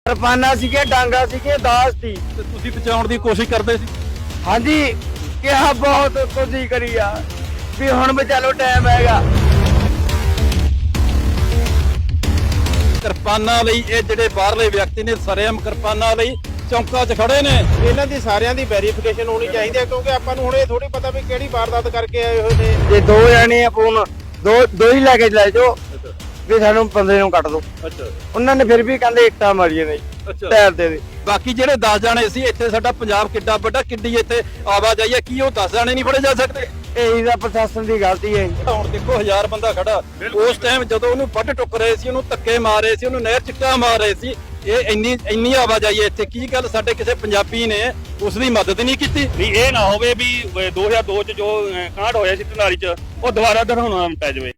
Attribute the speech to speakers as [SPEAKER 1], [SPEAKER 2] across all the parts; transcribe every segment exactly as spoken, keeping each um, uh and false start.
[SPEAKER 1] ਕਿਰਪਾਨਾਂ ਸੀਗੇ, ਡਾਂਗਾ ਸੀਗੇ, ਦਾਸ ਸੀ।
[SPEAKER 2] ਤੇ ਤੁਸੀਂ ਬਚਾਉਣ ਦੀ ਕੋਸ਼ਿਸ਼ ਕਰਦੇ ਸੀ?
[SPEAKER 1] ਹਾਂਜੀ, ਕਿਹਾ ਬਹੁਤ ਕੋਸ਼ਿਸ਼ ਕਰੀ ਆ ਵੀ ਹੁਣ ਵੀ ਚਲੋ ਟਾਈਮ ਹੈਗਾ।
[SPEAKER 2] ਕਿਰਪਾਨਾਂ ਲਈ ਇਹ ਜਿਹੜੇ ਬਾਹਰਲੇ ਵਿਅਕਤੀ ਨੇ ਸਰੇਆਮ ਕਿਰਪਾਨਾਂ ਲਈ ਚੌਂਕਾਂ 'ਚ ਖੜੇ ਨੇ।
[SPEAKER 3] ਇਹਨਾਂ ਦੀ ਸਾਰਿਆਂ ਦੀ ਵੈਰੀਫਿਕੇਸ਼ਨ ਹੋਣੀ ਚਾਹੀਦੀ ਹੈ, ਕਿਉਂਕਿ ਆਪਾਂ ਨੂੰ ਹੁਣ ਇਹ ਥੋੜੀ ਪਤਾ ਵੀ ਕਿਹੜੀ ਵਾਰਦਾਤ ਕਰਕੇ ਆਏ ਹੋਏ ਨੇ।
[SPEAKER 1] ਜੇ ਦੋ ਜਣੇ ਆ ਫੋਨ ਦੋ ਦੋ ਹੀ ਲੈ ਕੇ ਲੈ ਜਾਓ ਵੀ ਸਾਨੂੰ ਬੰਦੇ ਨੂੰ ਕੱਟ ਦੋ।
[SPEAKER 2] ਅੱਛਾ
[SPEAKER 1] ਉਹਨਾਂ ਨੇ ਫਿਰ ਵੀ ਕਹਿੰਦੇ ਇੱਟਾਂ ਮਾਰੀਆਂ ਨੇ
[SPEAKER 2] ਅੱਛਾ।
[SPEAKER 1] ਟਾਇਰ ਦੇ ਦੇ।
[SPEAKER 2] ਬਾਕੀ ਜਿਹੜੇ ਦਸ ਜਾਣੇ ਸੀ ਇੱਥੇ, ਸਾਡਾ ਪੰਜਾਬ ਕਿੱਡਾ ਵੱਡਾ, ਕਿੱਡੀ ਇੱਥੇ ਆਵਾਜਾਈ ਹੈ, ਕੀ ਉਹ ਦਸ ਜਾਣੇ ਨਹੀਂ ਫੜੇ ਜਾ ਸਕਦੇ?
[SPEAKER 1] ਇਹੀ ਤਾਂ ਪ੍ਰਸ਼ਾਸਨ ਦੀ ਗਲਤੀ ਹੈ।
[SPEAKER 2] ਹੁਣ ਦੇਖੋ ਹਜ਼ਾਰ ਬੰਦਾ ਖੜਾ, ਉਸ ਟਾਈਮ ਜਦੋਂ ਉਹਨੂੰ ਵੱਢ ਟੁੱਕ ਰਹੇ ਸੀ, ਉਹਨੂੰ ਧੱਕੇ ਮਾਰ ਰਹੇ ਸੀ, ਉਹਨੂੰ ਨਹਿਰ ਚਿੱਟਾ ਮਾਰ ਰਹੇ ਸੀ। ਇਹ ਇੰਨੀ ਇੰਨੀ ਆਵਾਜਾਈ ਹੈ ਇੱਥੇ, ਕੀ ਗੱਲ ਸਾਡੇ ਕਿਸੇ ਪੰਜਾਬੀ ਨੇ ਉਸ ਦੀ ਮਦਦ ਨਹੀਂ ਕੀਤੀ?
[SPEAKER 4] ਵੀ ਇਹ ਨਾ ਹੋਵੇ ਵੀ ਦੋ ਹਜ਼ਾਰ ਦੋ ਚ ਜੋ ਕਾਂਡ ਹੋਇਆ ਸੀ ਢਨਾਲੀ ਚ ਉਹ ਦੁਬਾਰਾ ਦੁਹਰਾਉਣਾ ਪੈ ਜਾਵੇ।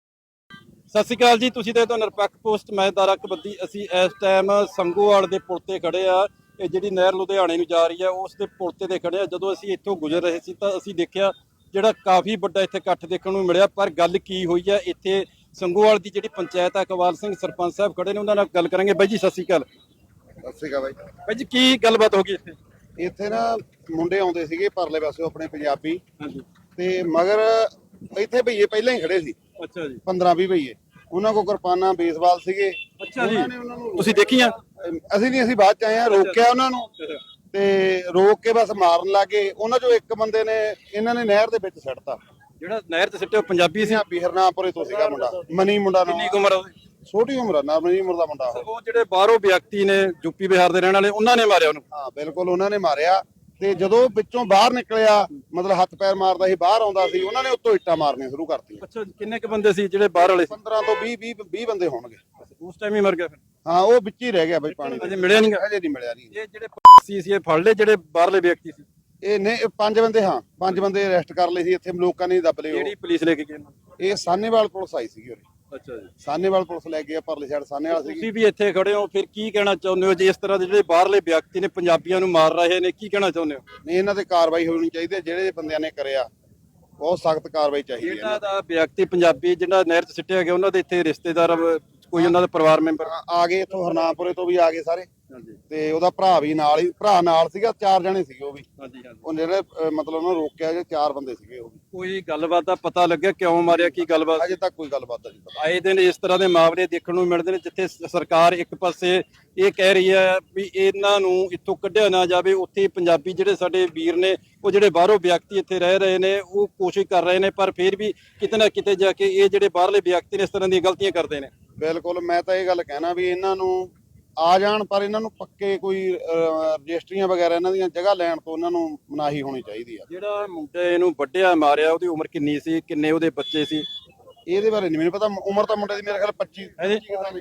[SPEAKER 2] ਸਤਿ ਸ਼੍ਰੀ ਅਕਾਲ ਜੀ, ਤੁਸੀਂ ਤੇ ਤੋਂ ਨਿਰਪੱਖ ਪੋਸਟ, ਮੈਂ ਦਾਰਾ ਕਬੱਦੀ। ਅਸੀਂ ਇਸ ਟਾਈਮ ਸੰਗੋਵਾਲ ਦੇ ਪੁਲ ਤੇ ਖੜੇ ਆ। ਇਹ ਜਿਹੜੀ ਨਹਿਰ ਲੁਧਿਆਣੇ ਨੂੰ ਜਾ ਰਹੀ ਹੈ ਉਸ ਦੇ ਪੁਲ ਤੇ ਖੜੇ ਆ। ਜਦੋਂ ਅਸੀਂ ਇੱਥੋਂ ਗੁਜ਼ਰ ਰਹੇ ਸੀ ਤਾਂ ਅਸੀਂ ਦੇਖਿਆ ਜਿਹੜਾ ਕਾਫੀ ਵੱਡਾ ਇੱਥੇ ਇਕੱਠ ਦੇਖਣ ਨੂੰ ਮਿਲਿਆ। ਪਰ ਗੱਲ ਕੀ ਹੋਈ ਹੈ ਇੱਥੇ ਸੰਗੋਵਾਲ ਦੀ ਜਿਹੜੀ ਪੰਚਾਇਤ ਆ, ਇਕਬਾਲ ਸਿੰਘ ਸਰਪੰਚ ਸਾਹਿਬ ਖੜੇ ਨੇ, ਉਹਨਾਂ ਨਾਲ ਗੱਲ ਕਰਾਂਗੇ। ਬਾਈ ਜੀ ਸਤਿ ਸ਼੍ਰੀ ਅਕਾਲ।
[SPEAKER 5] ਸਤਿ ਸ਼੍ਰੀ ਅਕਾਲ ਬਾਈ।
[SPEAKER 2] ਬਾਈ ਜੀ ਕੀ ਗੱਲਬਾਤ ਹੋ ਗਈ ਇੱਥੇ?
[SPEAKER 5] ਇੱਥੇ ਨਾ ਮੁੰਡੇ ਆਉਂਦੇ ਸੀਗੇ ਪਰਲੇ ਪਾਸਿਓਂ ਆਪਣੇ ਪੰਜਾਬੀ,
[SPEAKER 2] ਹਾਂਜੀ
[SPEAKER 5] ਤੇ ਮਗਰ ਇੱਥੇ ਭਈਏ ਪਹਿਲਾਂ ਹੀ ਖੜੇ ਸੀ,
[SPEAKER 2] ਅੱਛਾ ਜੀ।
[SPEAKER 5] ਪੰਦਰਾਂ ਵੀਹ ਭਈਏ। ਉਹਨਾਂ ਕੋਲ ਕਿਰਪਾਨਾਂ ਬੇਸਬਾਲ ਸੀਗੇ।
[SPEAKER 2] ਅੱਛਾ ਜੀ,
[SPEAKER 5] ਉਹਨਾਂ ਨੇ ਉਹਨਾਂ ਨੂੰ
[SPEAKER 2] ਤੁਸੀਂ ਦੇਖੀਆਂ?
[SPEAKER 5] ਅਸੀਂ ਨਹੀਂ, ਅਸੀਂ ਬਾਅਦ ਚ ਆਏ ਆ। ਰੋਕਿਆ ਉਹਨਾਂ ਨੂੰ ਤੇ ਰੋਕ ਕੇ ਬਸ ਮਾਰਨ ਲੱਗੇ। ਉਹਨਾਂ ਚੋਂ ਇੱਕ ਬੰਦੇ ਨੇ ਇਹਨਾਂ ਨੇ ਨਹਿਰ ਦੇ ਵਿੱਚ ਸਿੱਟਤਾ।
[SPEAKER 2] ਜਿਹੜਾ ਨਹਿਰ ਤੇ ਸਿੱਟੇ ਉਹ ਪੰਜਾਬੀ ਸੀ?
[SPEAKER 5] ਪੰਜਾਬੀ ਹਰਨਾਮਪੁਰੇ ਤੋਂ ਸੀਗਾ ਮੁੰਡਾ, ਮਨੀ ਮੁੰਡਾ ਨਾਮ।
[SPEAKER 2] ਕਿੰਨੀ ਕੁ ਉਮਰ ਆ ਉਹਦੀ?
[SPEAKER 5] ਛੋਟੀ ਉਮਰ ਆ, ਨਾ ਮਨੀ ਉਮਰ ਦਾ ਮੁੰਡਾ ਉਹ।
[SPEAKER 2] ਉਹ ਜਿਹੜੇ ਬਾਹਰੋਂ ਵਿਅਕਤੀ ਨੇ ਯੂਪੀ ਬਿਹਾਰ ਦੇ ਰਹਿਣ ਵਾਲੇ, ਉਹਨਾਂ ਨੇ ਮਾਰਿਆ ਉਹਨੂੰ?
[SPEAKER 5] ਹਾਂ ਬਿਲਕੁਲ, ਉਹਨਾਂ ਨੇ ਮਾਰਿਆ। ਤੇ ਜਦੋਂ ਵਿੱਚੋਂ ਬਾਹਰ ਨਿਕਲਿਆ, ਮਤਲਬ ਹੱਥ ਪੈਰ ਮਾਰਦਾ ਸੀ, ਬਾਹਰ ਆਉਂਦਾ ਸੀ, ਉਹਨਾਂ ਨੇ ਉੱਤੋਂ ਇੱਟਾਂ ਮਾਰਨੀਆਂ ਸ਼ੁਰੂ ਕਰਤੀਆਂ।
[SPEAKER 2] ਅੱਛਾ, ਕਿੰਨੇ ਕ ਬੰਦੇ ਸੀ ਜਿਹੜੇ ਬਾਹਰ ਵਾਲੇ ਸੀ?
[SPEAKER 5] ਪੰਦਰਾਂ ਤੋਂ ਵੀਹ ਵੀਹ ਵੀਹ ਬੰਦੇ ਹੋਣਗੇ।
[SPEAKER 2] ਉਸ ਟਾਈਮ ਹੀ ਮਰ ਗਿਆ ਫਿਰ?
[SPEAKER 5] ਹਾਂ, ਉਹ ਵਿੱਚ ਹੀ ਰਹਿ ਗਿਆ ਬਈ ਪਾਣੀ ਦੇ।
[SPEAKER 2] ਅਜੇ ਮਿਲਿਆ ਨਹੀਂ?
[SPEAKER 5] ਅਜੇ ਨਹੀਂ ਮਿਲਿਆ ਨਹੀਂ।
[SPEAKER 2] ਇਹ ਜਿਹੜੇ ਸੀ ਸੀ ਇਹ ਫੜ ਲਏ ਜਿਹੜੇ ਬਾਹਰਲੇ ਵਿਅਕਤੀ ਸੀ?
[SPEAKER 5] ਇਹ ਨੇ ਇਹ ਪੰਜ ਬੰਦੇ, ਹਾਂ ਪੰਜ ਬੰਦੇ ਅਰੈਸਟ ਕਰ ਲਏ ਸੀ। ਇੱਥੇ ਲੋਕਾਂ ਨੇ ਦੱਬ ਲਏ। ਉਹ
[SPEAKER 2] ਕਿਹੜੀ ਪੁਲਿਸ ਲੈ ਕੇ ਗਏ?
[SPEAKER 5] ਇਹ ਸਾਨੇਵਾਲ ਪੁਲਿਸ ਆਈ ਸੀਗੀ ਉਰੇ।
[SPEAKER 2] ਅੱਛਾ ਜੀ,
[SPEAKER 5] ਸਾਨੇਵਾਲ ਪੁਲਿਸ ਲੈ ਕੇ ਪਰਲੇ ਸਾਈਡ ਸਾਨੇਵਾਲ ਸੀਗੀ।
[SPEAKER 2] ਤੁਸੀਂ ਵੀ ਇੱਥੇ ਖੜੇ ਹੋ, ਫਿਰ ਕੀ ਕਹਿਣਾ ਚਾਹੁੰਦੇ ਹੋ ਜੇ ਇਸ ਤਰ੍ਹਾਂ ਦੇ ਜਿਹੜੇ ਬਾਹਰਲੇ ਵਿਅਕਤੀ ਨੇ ਪੰਜਾਬੀਆਂ ਨੂੰ ਮਾਰ ਰਹੇ ਨੇ? ਕੀ ਕਹਿਣਾ ਚਾਹੁੰਦੇ ਹੋ?
[SPEAKER 5] ਨਹੀਂ, ਇਹਨਾਂ ਤੇ ਕਾਰਵਾਈ ਹੋਣੀ ਚਾਹੀਦੀ ਹੈ। ਜਿਹੜੇ ਬੰਦਿਆਂ ਨੇ ਕਰਿਆ ਬਹੁਤ ਸਖਤ ਕਾਰਵਾਈ ਚਾਹੀਦੀ ਹੈ।
[SPEAKER 2] ਜਿਹੜਾ ਦਾ ਵਿਅਕਤੀ ਪੰਜਾਬੀ ਜਿਹੜਾ ਨਹਿਰ 'ਚ ਸਿੱਟਿਆ ਗਿਆ, ਉਹਨਾਂ ਦੇ ਇੱਥੇ ਰਿਸ਼ਤੇਦਾਰ ਕੋਈ, ਉਹਨਾਂ ਦਾ ਪਰਿਵਾਰ ਮੈਂਬਰ?
[SPEAKER 5] ਆ- ਆ ਗਏ ਇੱਥੋਂ ਹਰਨਾਮਪੁਰੇ ਤੋਂ ਵੀ ਆ ਗਏ ਸਾਰੇ,
[SPEAKER 2] ਹਾਂਜੀ
[SPEAKER 5] ਤੇ ਉਹਦਾ ਭਰਾ ਵੀ ਨਾਲ ਹੀ, ਭਰਾ ਨਾਲ ਸੀਗਾ। ਚਾਰ ਜਣੇ ਸੀਗੇ ਉਹ ਵੀ।
[SPEAKER 2] ਹਾਂਜੀ ਹਾਂਜੀ।
[SPEAKER 5] ਉਹ ਜਿਹੜੇ ਅਹ, ਮਤਲਬ ਉਹਨਾਂ ਨੂੰ ਰੋਕਿਆ, ਜੇ ਚਾਰ ਬੰਦੇ ਸੀਗੇ ਉਹ ਵੀ।
[SPEAKER 2] ਕੋਈ ਗੱਲਬਾਤ ਦਾ ਪਤਾ ਲੱਗਿਆ ਕਿਉਂ ਮਾਰਿਆ? ਕੀ ਗੱਲਬਾਤ?
[SPEAKER 5] ਅਜੇ ਤੱਕ ਕੋਈ ਗੱਲਬਾਤ ਨਹੀਂ ਪਤਾ।
[SPEAKER 2] ਆਏ ਦਿਨ ਇਸ ਤਰ੍ਹਾਂ ਦੇ ਮਾਮਲੇ ਦੇਖਣ ਨੂੰ ਮਿਲਦੇ ਨੇ ਜਿੱਥੇ ਸ- ਸਰਕਾਰ ਇੱਕ ਪਾਸੇ ਇਹ ਕਹਿ ਰਹੀ ਹੈ ਵੀ ਇਹਨਾਂ ਨੂੰ ਇੱਥੋਂ ਕੱਢਿਆ ਨਾ ਜਾਵੇ, ਉੱਥੇ ਪੰਜਾਬੀ ਜਿਹੜੇ ਸਾਡੇ ਵੀਰ ਨੇ, ਉਹ ਜਿਹੜੇ ਬਾਹਰੋਂ ਵਿਅਕਤੀ ਇੱਥੇ ਰਹਿ ਰਹੇ ਨੇ, ਉਹ ਕੋਸ਼ਿਸ਼ ਕਰ ਰਹੇ ਨੇ, ਪਰ ਫਿਰ ਵੀ ਕਿਤੇ ਨਾ ਕਿਤੇ ਜਾ ਕੇ ਇਹ ਜਿਹੜੇ ਬਾਹਰਲੇ ਵਿਅਕਤੀ ਨੇ ਇਸ ਤਰ੍ਹਾਂ ਦੀਆਂ ਗਲਤੀਆਂ ਕਰਦੇ ਨੇ।
[SPEAKER 5] ਬਿਲਕੁਲ, ਮੈਂ ਤਾਂ ਇਹ ਗੱਲ ਕਹਿਣਾ ਵੀ ਇਹਨਾਂ ਨੂੰ ਆ ਜਾਣ, ਪਰ ਇਹਨਾਂ ਨੂੰ ਪੱਕੇ ਕੋਈ ਅਹ, ਰਜਿਸਟਰੀਆਂ ਵਗੈਰਾ ਇਹਨਾਂ ਦੀਆਂ ਜਗ੍ਹਾ ਲੈਣ ਤੋਂ ਇਹਨਾਂ ਨੂੰ ਮਨਾਹੀ ਹੋਣੀ ਚਾਹੀਦੀ ਆ।
[SPEAKER 2] ਜਿਹੜਾ ਮੁੰਡੇ ਨੂੰ ਵੱਢਿਆ ਮਾਰਿਆ, ਉਹਦੀ ਉਮਰ ਕਿੰਨੀ ਸੀ? ਕਿੰਨੇ ਉਹਦੇ ਬੱਚੇ ਸੀ?
[SPEAKER 5] ਇਹਦੇ ਬਾਰੇ ਨਹੀਂ ਮੈਨੂੰ ਪਤਾ। ਉਮਰ ਤਾਂ ਮੁੰਡੇ ਦੀ ਮੇਰੇ ਖਿਆਲ ਪੱਚੀ
[SPEAKER 2] ਹੈਂ?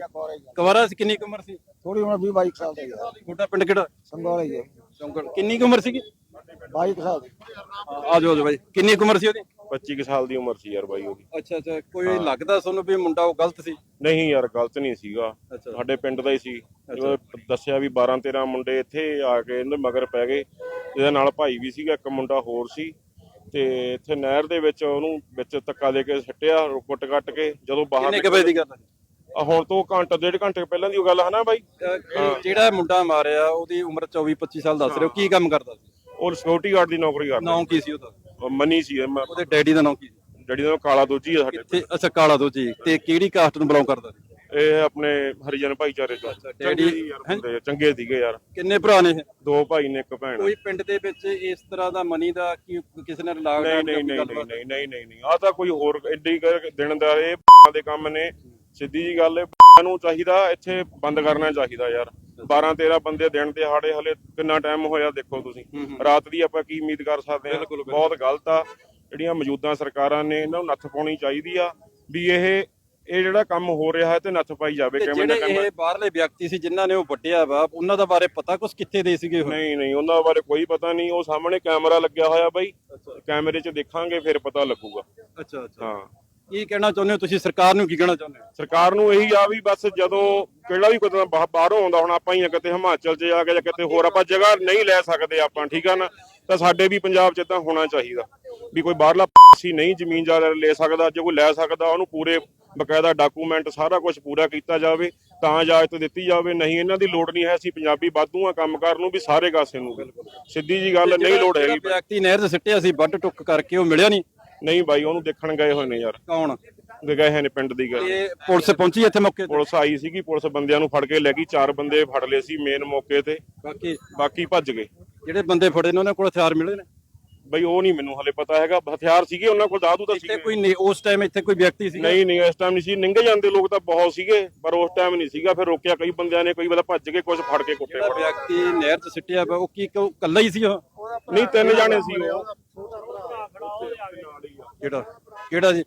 [SPEAKER 2] ਕਵਾਰਾ ਸੀ? ਕਿੰਨੀ ਕੁ ਉਮਰ ਸੀ?
[SPEAKER 1] ਥੋੜੀ ਉਮਰ ਵੀਹ ਬਾਈ ਸਾਲ ਦੀ ਹੈ।
[SPEAKER 2] ਤੁਹਾਡਾ ਪਿੰਡ ਕਿਹੜਾ?
[SPEAKER 1] ਸੰਗੋਲੇ ਜੀ,
[SPEAKER 2] ਚੌਂਕੜ। ਕਿੰਨੀ ਕੁ ਉਮਰ ਸੀਗੀ?
[SPEAKER 1] ਬਾਈ ਸਾਲ ਦੀ।
[SPEAKER 2] ਆ ਜਾਓ ਬਾਈ, ਕਿੰਨੀ ਕੁ ਉਮਰ ਸੀ ਉਹਦੀ?
[SPEAKER 4] ਪੱਚੀ ਕੁ ਸਾਲ ਦੀ ਉਮਰ ਸੀ ਯਾਰ ਬਾਈ ਉਹਦੀ।
[SPEAKER 2] ਅੱਛਾ ਅੱਛਾ, ਕੋਈ ਲੱਗਦਾ ਤੁਹਾਨੂੰ ਵੀ ਮੁੰਡਾ ਉਹ ਗਲਤ ਸੀ?
[SPEAKER 4] ਨਹੀਂ ਯਾਰ, ਗਲਤ ਨਹੀਂ ਸੀਗਾ,
[SPEAKER 2] ਅੱਛਾ।
[SPEAKER 4] ਸਾਡੇ ਪਿੰਡ ਦਾ ਹੀ ਸੀ। ਜਦੋਂ ਦੱਸਿਆ ਵੀ ਬਾਰਾਂ ਤੇਰਾਂ ਮੁੰਡੇ ਇੱਥੇ ਆ ਕੇ ਇਹਦੇ ਮਗਰ ਪੈ ਗਏ। ਇਹਦੇ ਨਾਲ ਭਾਈ ਵੀ ਸੀਗਾ, ਇੱਕ ਮੁੰਡਾ ਹੋਰ ਸੀ। ਤੇ ਇੱਥੇ ਨਹਿਰ ਦੇ ਵਿੱਚ ਉਹਨੂੰ ਵਿੱਚ ਧੱਕਾ ਦੇ ਕੇ ਸੱਟਿਆ, ਕੁੱਟ ਕੱਟ ਕੇ। ਜਦੋਂ ਬਾਹਰ
[SPEAKER 2] ਕਿੰਨੇ ਕੁ ਵਜੇ ਦੀ ਗੱਲ ਹੈ?
[SPEAKER 4] ਆ ਹੁਣ ਤੋਂ ਘੰਟਾ ਡੇਢ ਘੰਟੇ ਪਹਿਲਾਂ ਦੀ ਉਹ ਗੱਲ ਹੈ ਨਾ ਬਾਈ।
[SPEAKER 2] ਅਹ ਜਿਹੜਾ ਮੁੰਡਾ ਮਾਰਿਆ ਉਹਦੀ ਉਮਰ ਚੌਵੀ ਪੱਚੀ ਸਾਲ ਦੱਸ ਰਹੇ ਹੋ, ਕੀ ਕੰਮ ਕਰਦਾ ਸੀ?
[SPEAKER 4] ਉਹ ਸਿਕਿਉਰਿਟੀ ਗਾਰਡ ਦੀ ਨੌਕਰੀ ਕਰਦਾ।
[SPEAKER 2] ਨਾਮ ਕੀ ਸੀ ਉਹਦਾ?
[SPEAKER 4] ਉਹ ਮਨੀ ਸੀ। ਮੈਂ-
[SPEAKER 2] ਉਹਦੇ ਡੈਡੀ ਦਾ ਨਾਮ ਕੀ ਸੀ?
[SPEAKER 4] ਜਿਹੜੀ ਦਾ ਕਾਲਾ ਦੋਜੀ ਆ ਸਾਡੇ
[SPEAKER 2] ਤੇ ਅੱਛਾ, ਕਾਲਾ ਦੋ ਜੀ। ਤੇ ਕਿਹੜੀ ਕਾਸਟ ਨੂੰ ਬਿਲੋਂਗ ਕਰਦਾ ਸੀ?
[SPEAKER 4] ਇਹ ਆਪਣੇ ਹਰੀਜਨ ਭਾਈਚਾਰੇ ਚੋਂ।
[SPEAKER 2] ਡੈਡੀ
[SPEAKER 4] ਚੰਗੇ ਸੀ ਯਾਰ ਬੰਦੇ, ਚੰਗੇ ਸੀਗੇ ਯਾਰ।
[SPEAKER 2] ਕਿੰਨੇ ਭਰਾ ਨੇ ਇਹ?
[SPEAKER 4] ਦੋ ਭਾਈ ਨੇ, ਇੱਕ ਭੈਣ।
[SPEAKER 2] ਕੋਈ ਪਿੰਡ ਦੇ ਵਿੱਚ ਇਸ ਤਰ੍ਹਾਂ ਦਾ ਮਨੀ ਦਾ ਕੀ ਕਿਸੇ ਨਾਲ ਲਾਗ
[SPEAKER 4] ਨਹੀਂ ਨਹੀਂ ਨਹੀਂ ਨਹੀਂ ਨਹੀਂ ਨਹੀਂ ਨਹੀਂ ਨਹੀਂ ਆ ਤਾਂ ਕੋਈ ਹੋਰ ਐਡੀ ਦਿਨ ਦਾ ਇਹ ਦੇ ਕੰਮ ਨੇ। ਸਿੱਧੀ ਜੀ ਗੱਲ ਹੈ, ਨੂੰ ਚਾਹੀਦਾ ਇੱਥੇ ਬੰਦ ਕਰਨਾ ਚਾਹੀਦਾ ਯਾਰ। ਬਾਰਾਂ ਤੇਰਾਂ ਬੰਦੇ ਦਿਨ ਦਿਹਾੜੇ, ਹਲੇ ਕਿੰਨਾ ਟਾਈਮ ਹੋਇਆ ਦੇਖੋ ਤੁਸੀਂ। ਰਾਤ ਦੀ ਆਪਾਂ ਕੀ ਉਮੀਦ ਕਰ ਸਕਦੇ ਹਾਂ? ਬਹੁਤ ਗਲਤ ਆ। ਜਿਹੜੀਆਂ ਮੌਜੂਦਾ ਸਰਕਾਰਾਂ ਨੇ ਇਹਨਾਂ ਨੂੰ ਨੱਥ ਪਾਉਣੀ ਚਾਹੀਦੀ ਆ ਵੀ ਇਹ ਇਹ ਜਿਹੜਾ ਕੰਮ ਹੋ ਰਿਹਾ ਹੈ ਤੇ ਨੱਥ ਪਾਈ ਜਾਵੇ ਕਿਵੇਂ ਨਾ ਕਿਵੇਂ।
[SPEAKER 2] ਇਹ ਬਾਹਰਲੇ ਵਿਅਕਤੀ ਸੀ ਜਿਨ੍ਹਾਂ ਨੇ ਉਹ ਵੱਢਿਆ ਵਾ, ਉਹਨਾਂ ਦਾ ਬਾਰੇ ਪਤਾ ਕੁਛ ਕਿੱਥੇ ਦੇ ਸੀਗੇ ਉਹ?
[SPEAKER 4] ਨਹੀਂ ਨਹੀਂ, ਉਹਨਾਂ ਬਾਰੇ ਕੋਈ ਪਤਾ ਨਹੀਂ। ਉਹ ਸਾਹਮਣੇ ਕੈਮਰਾ ਲੱਗਿਆ ਹੋਇਆ ਬਾਈ, ਕੈਮਰੇ 'ਚ ਦੇਖਾਂਗੇ ਫਿਰ ਪਤਾ ਲੱਗੂਗਾ।
[SPEAKER 2] ਅੱਛਾ ਅੱਛਾ,
[SPEAKER 4] ਹਾਂ।
[SPEAKER 2] ਕੀ ਕਹਿਣਾ ਚਾਹੁੰਦੇ ਹੋ ਤੁਸੀਂ? ਸਰਕਾਰ ਨੂੰ ਕੀ ਕਹਿਣਾ ਚਾਹੁੰਦੇ ਹੋ?
[SPEAKER 4] ਸਰਕਾਰ ਨੂੰ ਇਹੀ ਆ ਵੀ ਬਸ ਜਦੋਂ ਕਿਹੜਾ ਵੀ ਕੋਈ ਬਾਹਰੋਂ ਆਉਂਦਾ, ਹੁਣ ਆਪਾਂ ਹੀ ਕਿਤੇ ਹਿਮਾਚਲ 'ਚ ਜਾ ਕੇ ਜਾਂ ਕਿਤੇ ਹੋਰ ਆਪਾਂ ਜਗ੍ਹਾ ਨਹੀਂ ਲੈ ਸਕਦੇ ਆਪਾਂ, ਠੀਕ ਆ ਨਾ, ਤਾਂ ਸਾਡੇ ਵੀ ਪੰਜਾਬ 'ਚ ਤਾਂ ਹੋਣਾ ਚਾਹੀਦਾ ਵੀ ਕੋਈ ਬਾਹਰਲਾ ਸੀ ਨਹੀਂ ਜ਼ਮੀਨ ਜਾ ਲੈ ਸਕਦਾ। ਜੇ ਕੋਈ ਲੈ ਸਕਦਾ ਉਹਨੂੰ ਪੂਰੇ ਬਕਾਇਦਾ ਡਾਕੂਮੈਂਟ ਸਾਰਾ ਕੁਝ ਪੂਰਾ ਕੀਤਾ ਜਾਵੇ ਤਾਂ ਇਜਾਜ਼ਤ ਦਿੱਤੀ ਜਾਵੇ, ਨਹੀਂ ਇਹਨਾਂ ਦੀ ਲੋੜ ਨਹੀਂ ਹੈ। ਅਸੀਂ ਪੰਜਾਬੀ ਵਾਧੂ ਆ ਕੰਮ ਕਰਨ ਨੂੰ ਵੀ ਸਾਰੇ ਕਾਸੇ ਨੂੰ, ਸਿੱਧੀ ਜੀ ਗੱਲ, ਨਹੀਂ ਲੋੜ ਹੈਗੀ।
[SPEAKER 2] ਵਿਅਕਤੀ ਨਹਿਰ 'ਚ ਸਿੱਟਿਆ ਸੀ ਵੱਢ ਟੁੱਕ ਕਰਕੇ, ਉਹ ਮਿਲਿਆ ਨਹੀਂ?
[SPEAKER 4] ਨਹੀਂ ਬਾਈ, ਉਹਨੂੰ ਦੇਖਣ ਗਏ ਹੋਏ ਨੇ ਯਾਰ।
[SPEAKER 2] ਕੌਣ
[SPEAKER 4] ਗਏ ਹੋਏ ਨੇ ਪਿੰਡ ਦੀ ਗੱਲ।
[SPEAKER 2] ਇਹ ਪੁਲਿਸ ਪਹੁੰਚੀ ਇੱਥੇ ਮੌਕੇ ਤੇ?
[SPEAKER 4] ਪੁਲਿਸ ਆਈ ਸੀਗੀ, ਪੁਲਿਸ ਬੰਦਿਆਂ ਨੂੰ ਫੜ ਕੇ ਲੈ ਗਈ, ਚਾਰ ਬੰਦੇ ਫੜ ਲਏ ਸੀ ਮੇਨ ਮੌਕੇ ਤੇ,
[SPEAKER 2] ਬਾਕੀ
[SPEAKER 4] ਬਾਕੀ ਭੱਜ ਗਏ।
[SPEAKER 2] ਜਿਹੜੇ ਬੰਦੇ ਫੜੇ ਨੇ ਉਹਨਾਂ ਕੋਲ ਹਥਿਆਰ ਮਿਲੇ ਨੇ?
[SPEAKER 4] ਬਈ ਉਹ ਨਹੀਂ ਮੈਨੂੰ ਹਲੇ ਪਤਾ ਹੈਗਾ, ਹਥਿਆਰ ਸੀਗੇ ਉਹਨਾਂ ਕੋਲ, ਦਾਦੂ ਤਾਂ
[SPEAKER 2] ਇੱਥੇ
[SPEAKER 4] ਸੀਗੇ।
[SPEAKER 2] ਕੋਈ ਨਹੀਂ ਉਸ ਟਾਈਮ ਇੱਥੇ ਕੋਈ ਵਿਅਕਤੀ ਸੀ?
[SPEAKER 4] ਨਹੀਂ ਨਹੀਂ ਇਸ ਟਾਈਮ ਨਹੀਂ ਸੀ, ਨਿੰਗੇ ਜਾਂਦੇ ਲੋਕ ਤਾਂ ਬਹੁਤ ਸੀਗੇ, ਪਰ ਉਸ ਟਾਈਮ ਨਹੀਂ ਸੀਗਾ। ਫਿਰ ਰੋਕਿਆ ਕਈ ਬੰਦਿਆਂ ਨੇ, ਕਈ ਵਾਰ ਭੱਜ ਕੇ, ਕੁਝ ਫੜ ਕੇ ਕੁੱਟੇ।
[SPEAKER 2] ਜਿਹੜਾ ਵਿਅਕਤੀ ਨਹਿਰ 'ਚ ਸਿੱਟਿਆ ਵਾ ਉਹ ਕੀ ਇਕੱਲਾ ਹੀ ਸੀ? ਉਹ
[SPEAKER 4] ਨਹੀਂ, ਤਿੰਨ ਜਾਣੇ ਸੀ ਉਹ।
[SPEAKER 2] ਕਿਹੜਾ ਕਿਹੜਾ ਜੀ?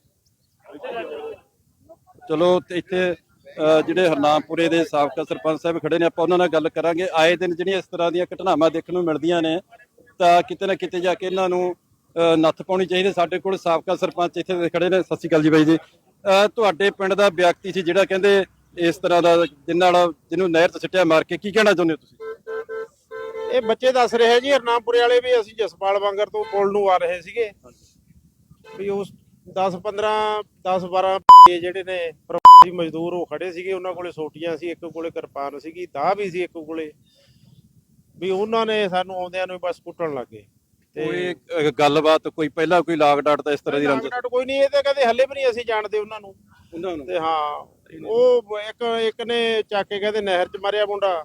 [SPEAKER 2] ਚਲੋ ਤੇ ਇੱਥੇ ਅਹ, ਜਿਹੜੇ ਹਰਨਾਮਪੁਰੇ ਦੇ ਸਾਬਕਾ ਸਰਪੰਚ ਸਾਹਿਬ ਖੜੇ ਨੇ, ਆਪਾਂ ਉਹਨਾਂ ਨਾਲ ਗੱਲ ਕਰਾਂਗੇ। ਆਏ ਦਿਨ ਜਿਹੜੀਆਂ ਇਸ ਤਰ੍ਹਾਂ ਦੀਆਂ ਘਟਨਾਵਾਂ ਦੇਖਣ ਨੂੰ ਮਿਲਦੀਆਂ ਨੇ ਤਾਂ ਕਿਤੇ ਨਾ ਕਿਤੇ ਜਾ ਕੇ ਇਹਨਾਂ ਨੂੰ ਅਹ, ਨੱਥ ਪਾਉਣੀ ਚਾਹੀਦੀ। ਸਾਡੇ ਕੋਲ ਸਾਬਕਾ ਸਰਪੰਚ ਇੱਥੇ ਦੇ ਖੜੇ ਨੇ। ਸਤਿ ਸ਼੍ਰੀ ਅਕਾਲ ਜੀ ਬਾਈ ਜੀ। ਅਹ, ਤੁਹਾਡੇ ਪਿੰਡ ਦਾ ਵਿਅਕਤੀ ਸੀ ਜਿਹੜਾ ਕਹਿੰਦੇ ਇਸ ਤਰ੍ਹਾਂ ਦਾ, ਜਿੰਨਾਂ ਨਾਲ ਜਿਹਨੂੰ ਨਹਿਰ 'ਚ ਸਿੱਟਿਆ ਮਾਰ ਕੇ, ਕੀ ਕਹਿਣਾ ਚਾਹੁੰਦੇ ਹੋ ਤੁਸੀਂ?
[SPEAKER 3] ਇਹ ਬੱਚੇ ਦੱਸ ਰਹੇ ਜੀ ਹਰਨਾਮਪੁਰੇ ਵਾਲੇ ਵੀ, ਅਸੀਂ ਜਸਪਾਲ ਵਾਂਗਰ ਤੋਂ ਪੁਲ ਨੂੰ ਆ ਰਹੇ ਸੀਗੇ ਵੀ ਉਸ ਦਸ ਪੰਦਰਾਂ ਦਸ ਬਾਰਾਂ ਜਿਹੜੇ ਨੇ ਪ੍ਰਵਾਸੀ ਮਜ਼ਦੂਰ ਉਹ ਖੜੇ ਸੀਗੇ, ਉਹਨਾਂ ਕੋਲੇ ਸੋਟੀਆਂ ਸੀ, ਇੱਕ ਕੋਲੇ ਕਿਰਪਾਨ ਸੀਗੀ, ਦਾਅ ਵੀ ਸੀ ਇੱਕ ਕੋਲੇ, ਵੀ ਉਹਨਾਂ ਨੇ ਸਾਨੂੰ ਆਉਂਦਿਆਂ ਨੂੰ ਬਸ ਕੁੱਟਣ ਲੱਗੇ।
[SPEAKER 2] ਕੋਈ ਅਹ, ਗੱਲਬਾਤ ਕੋਈ ਪਹਿਲਾਂ ਕੋਈ ਲਾਗ ਡਾਟ ਤਾਂ ਇਸ ਤਰ੍ਹਾਂ ਦੀ ਰੰਜ?
[SPEAKER 3] ਕੋਈ ਨਹੀਂ, ਇਹ ਤਾਂ ਕਹਿੰਦੇ ਹੱਲੇ ਵੀ ਨਹੀਂ ਅਸੀਂ ਜਾਣਦੇ ਉਹਨਾਂ ਨੂੰ।
[SPEAKER 2] ਉਹਨਾਂ ਨੂੰ
[SPEAKER 3] ਤੇ ਹਾਂ, ਉਹ ਇੱਕ ਇੱਕ ਨੇ ਚੱਕ ਕੇ ਕਹਿੰਦੇ ਨਹਿਰ 'ਚ ਮਾਰਿਆ ਮੁੰਡਾ,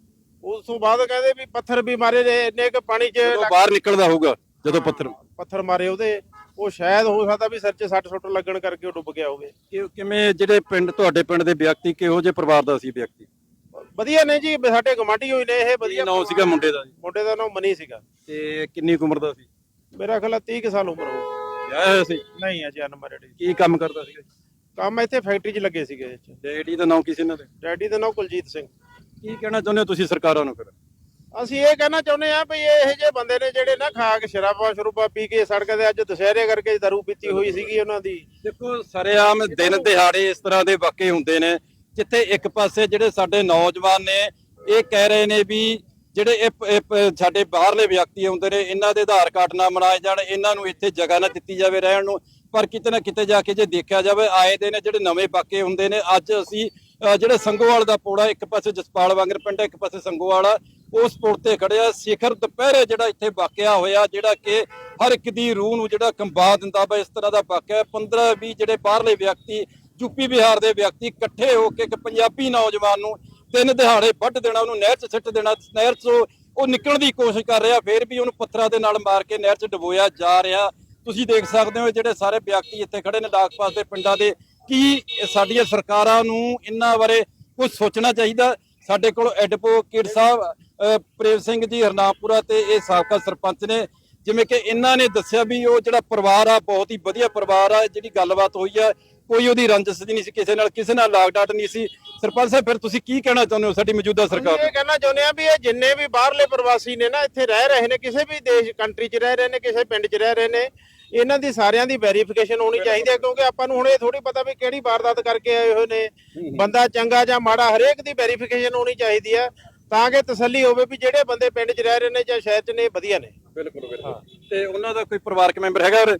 [SPEAKER 3] ਉਸ ਤੋਂ ਬਾਅਦ ਕਹਿੰਦੇ ਵੀ ਪੱਥਰ ਵੀ ਮਾਰੇ ਜੇ, ਇੰਨੇ ਕੁ ਪਾਣੀ 'ਚ
[SPEAKER 2] ਬਾਹਰ ਨਿਕਲਦਾ ਹੋਊਗਾ ਜਦੋਂ ਪੱਥਰ
[SPEAKER 3] ਪੱਥਰ ਮਾਰੇ ਉਹਦੇ, ਉਹ ਸ਼ਾਇਦ ਹੋ ਸਕਦਾ ਵੀ ਸਿਰ 'ਚ ਸੱਟ ਸੁੱਟ ਲੱਗਣ ਕਰਕੇ ਉਹ ਡੁੱਬ ਗਿਆ ਹੋਵੇ।
[SPEAKER 2] ਕਿ- ਕਿਵੇਂ ਜਿਹੜੇ ਪਿੰਡ ਤੁਹਾਡੇ ਪਿੰਡ ਦੇ ਵਿਅਕਤੀ ਕਿਹੋ ਜਿਹੇ ਪਰਿਵਾਰ ਦਾ ਸੀ ਵਿਅਕਤੀ?
[SPEAKER 3] ਵਧੀਆ ਨੇ ਜੀ, ਸਾਡੇ ਗਵਾਂਢੀ ਹੋਈ ਨੇ ਇਹ,
[SPEAKER 2] ਕੀ
[SPEAKER 3] ਵਧੀਆ।
[SPEAKER 2] ਨਾਮ ਸੀਗਾ ਮੁੰਡੇ ਦਾ ਜੀ?
[SPEAKER 3] ਮੁੰਡੇ ਦਾ ਨਾਮ ਮਨੀ ਸੀਗਾ।
[SPEAKER 2] ਤੇ ਕਿੰਨੀ ਕੁ ਉਮਰ ਦਾ ਸੀ?
[SPEAKER 3] ਮੇਰਾ ਖਿਆਲ ਤੀਹ ਕੁ ਸਾਲ ਉਮਰ ਹੋ।
[SPEAKER 2] ਵਿਆਹਿਆ ਹੋਇਆ ਸੀ?
[SPEAKER 3] ਨਹੀਂ ਅਜੇ ਅਨਮੈਰਿਡ।
[SPEAKER 2] ਕੀ ਕੰਮ ਕਰਦਾ ਸੀਗਾ?
[SPEAKER 3] ਕੰਮ ਇੱਥੇ ਫੈਕਟਰੀ 'ਚ ਲੱਗੇ ਸੀਗੇ।
[SPEAKER 2] ਡੈਡੀ ਦਾ ਨਾਮ ਕੀ ਸੀ ਇਹਨਾਂ ਦੇ?
[SPEAKER 3] ਡੈਡੀ ਦਾ ਨਾਮ ਕੁਲਜੀਤ ਸਿੰਘ।
[SPEAKER 2] ਕੀ ਕਹਿਣਾ ਚਾਹੁੰਦੇ ਹੋ ਤੁਸੀਂ ਸਰਕਾਰਾਂ ਨੂੰ ਫਿਰ?
[SPEAKER 3] ਅਸੀਂ ਇਹ ਕਹਿਣਾ ਚਾਹੁੰਦੇ ਆ ਵੀ ਇਹ ਜਿਹੇ ਬੰਦੇ ਨੇ ਜਿਹੜੇ ਨਾ ਖਾ ਕੇ ਸ਼ਰਾਬਾਂ ਸ਼ਰੂਬਾਂ ਪੀ ਕੇ ਸੜਕ ਤੇ, ਅੱਜ ਦੁਸ਼ਹਿਰੇ ਕਰਕੇ ਦਾਰੂ ਪੀਤੀ ਹੋਈ ਸੀਗੀ ਉਹਨਾਂ ਦੀ।
[SPEAKER 2] ਦੇਖੋ ਸਰੇਆਮ ਦਿਨ ਦਿਹਾੜੇ ਇਸ ਤਰ੍ਹਾਂ ਦੇ ਵਾਕੇ ਹੁੰਦੇ ਨੇ, ਜਿੱਥੇ ਇੱਕ ਪਾਸੇ ਜਿਹੜੇ ਸਾਡੇ ਨੌਜਵਾਨ ਨੇ ਇਹ ਕਹਿ ਰਹੇ ਨੇ ਵੀ ਜਿਹੜੇ ਇਹ ਇਹ ਪ- ਸਾਡੇ ਬਾਹਰਲੇ ਵਿਅਕਤੀ ਆਉਂਦੇ ਨੇ, ਇਹਨਾਂ ਦੇ ਆਧਾਰ ਕਾਰਡ ਨਾ ਬਣਾਏ ਜਾਣ, ਇਹਨਾਂ ਨੂੰ ਇੱਥੇ ਜਗ੍ਹਾ ਨਾ ਦਿੱਤੀ ਜਾਵੇ ਰਹਿਣ ਨੂੰ। ਪਰ ਕਿਤੇ ਨਾ ਕਿਤੇ ਜਾ ਕੇ ਜੇ ਦੇਖਿਆ ਜਾਵੇ, ਆਏ ਦੇ ਨੇ ਜਿਹੜੇ ਨਵੇਂ ਵਾਕੇ ਹੁੰਦੇ ਨੇ। ਅੱਜ ਅਸੀਂ ਅਹ, ਜਿਹੜੇ ਸੰਗੋਵਾਲ ਦਾ ਪੋੜਾ, ਇੱਕ ਪਾਸੇ ਜਸਪਾਲ ਵਾਂਗਰ ਪਿੰਡ, ਇੱਕ ਪਾਸੇ ਸੰਗੋਵਾਲ, ਉਸ ਪੁਲ ਤੇ ਖੜੇ ਆ। ਸਿਖਰ ਦੁਪਹਿਰੇ ਜਿਹੜਾ ਇੱਥੇ ਵਾਕਿਆ ਹੋਇਆ, ਜਿਹੜਾ ਕਿ ਹਰ ਇੱਕ ਦੀ ਰੂਹ ਨੂੰ ਜਿਹੜਾ ਕੰਬਾ ਦਿੰਦਾ ਵਾ, ਇਸ ਤਰ੍ਹਾਂ ਦਾ ਵਾਕਿਆ। ਪੰਦਰਾਂ ਵੀਹ ਜਿਹੜੇ ਬਾਹਰਲੇ ਵਿਅਕਤੀ, ਯੂਪੀ ਬਿਹਾਰ ਦੇ ਵਿਅਕਤੀ ਇਕੱਠੇ ਹੋ ਕੇ ਇੱਕ ਪੰਜਾਬੀ ਨੌਜਵਾਨ ਨੂੰ ਤਿੰਨ ਦਿਹਾੜੇ ਵੱਢ ਦੇਣਾ, ਉਹਨੂੰ ਨਹਿਰ 'ਚ ਸਿੱਟ ਦੇਣਾ। ਨਹਿਰ 'ਚੋਂ ਉਹ ਨਿਕਲਣ ਦੀ ਕੋਸ਼ਿਸ਼ ਕਰ ਰਿਹਾ, ਫਿਰ ਵੀ ਉਹਨੂੰ ਪੱਥਰਾਂ ਦੇ ਨਾਲ ਮਾਰ ਕੇ ਨਹਿਰ 'ਚ ਡੁਬੋਇਆ ਜਾ ਰਿਹਾ। ਤੁਸੀਂ ਦੇਖ ਸਕਦੇ ਹੋ ਜਿਹੜੇ ਸਾਰੇ ਵਿਅਕਤੀ ਇੱਥੇ ਖੜੇ ਨੇ ਲਾਗ-ਪਾਸ ਦੇ ਪਿੰਡਾਂ ਦੇ। ਕੀ ਸਾਡੀਆਂ ਸਰਕਾਰਾਂ ਨੂੰ ਇਹਨਾਂ ਬਾਰੇ ਕੁਝ ਸੋਚਣਾ ਚਾਹੀਦਾ? ਸਾਡੇ ਕੋਲ ਐਡਵੋਕੇਟ ਸਾਹਿਬ ਅਹ, ਪ੍ਰੇਮ ਸਿੰਘ ਜੀ ਹਰਨਾਮਪੁਰਾ ਤੇ ਇਹ ਸਾਬਕਾ ਸਰਪੰਚ ਨੇ। ਜਿਵੇਂ ਕਿ ਇਹਨਾਂ ਨੇ ਦੱਸਿਆ ਵੀ ਉਹ ਜਿਹੜਾ ਪਰਿਵਾਰ ਆ ਬਹੁਤ ਹੀ ਵਧੀਆ ਪਰਿਵਾਰ ਆ, ਜਿਹੜੀ ਗੱਲਬਾਤ ਹੋਈ ਆ ਕੋਈ ਉਹਦੀ ਰੰਜਿਸ਼ ਨਹੀਂ ਸੀ ਕਿਸੇ ਨਾਲ, ਕਿਸੇ ਨਾਲ ਲਾਗ ਡਾਟ ਨਹੀਂ ਸੀ। ਸਰਪੰਚ ਸਾਹਿਬ ਫਿਰ ਤੁਸੀਂ ਕੀ ਕਹਿਣਾ ਚਾਹੁੰਦੇ ਹੋ ਸਾਡੀ ਮੌਜੂਦਾ ਸਰਕਾਰ ਨੂੰ?
[SPEAKER 3] ਇਹ ਕਹਿਣਾ ਚਾਹੁੰਦੇ ਆ ਵੀ ਇਹ ਜਿੰਨੇ ਵੀ ਬਾਹਰਲੇ ਪ੍ਰਵਾਸੀ ਨੇ ਨਾ, ਇੱਥੇ ਰਹਿ ਰਹੇ ਨੇ, ਕਿਸੇ ਵੀ ਦੇਸ਼ ਕੰਟਰੀ 'ਚ ਰਹਿ ਰਹੇ ਨੇ, ਕਿਸੇ ਪਿੰਡ 'ਚ ਰਹਿ ਰਹੇ ਨੇ, ਇਹਨਾਂ ਦੀ ਸਾਰਿਆਂ ਦੀ ਵੈਰੀਫਿਕੇਸ਼ਨ ਹੋਣੀ ਚਾਹੀਦੀ ਹੈ। ਕਿਉਂਕਿ ਆਪਾਂ ਨੂੰ ਹੁਣ ਇਹ ਥੋੜੀ ਪਤਾ ਵੀ ਕਿਹੜੀ ਵਾਰਦਾਤ ਕਰਕੇ ਆਏ ਹੋਏ ਨੇ, ਬੰਦਾ ਚੰਗਾ ਜਾਂ ਮਾੜਾ, ਹਰੇਕ ਦੀ ਵੈਰੀਫਿਕੇਸ਼ਨ ਹੋਣੀ ਚਾਹੀਦੀ ਹੈ, ਤਾਂ ਕਿ ਤਸੱਲੀ ਹੋਵੇ ਵੀ ਜਿਹੜੇ ਬੰਦੇ ਪਿੰਡ 'ਚ ਰਹਿ ਰਹੇ ਨੇ ਜਾਂ ਸ਼ਹਿਰ 'ਚ ਨੇ ਵਧੀਆ ਨੇ।
[SPEAKER 2] ਬਿਲਕੁਲ ਬਿਲਕੁਲ। ਤੇ ਉਹਨਾਂ ਦਾ ਕੋਈ ਪਰਿਵਾਰਕ ਮੈਂਬਰ ਹੈਗਾ ਉਰੇ?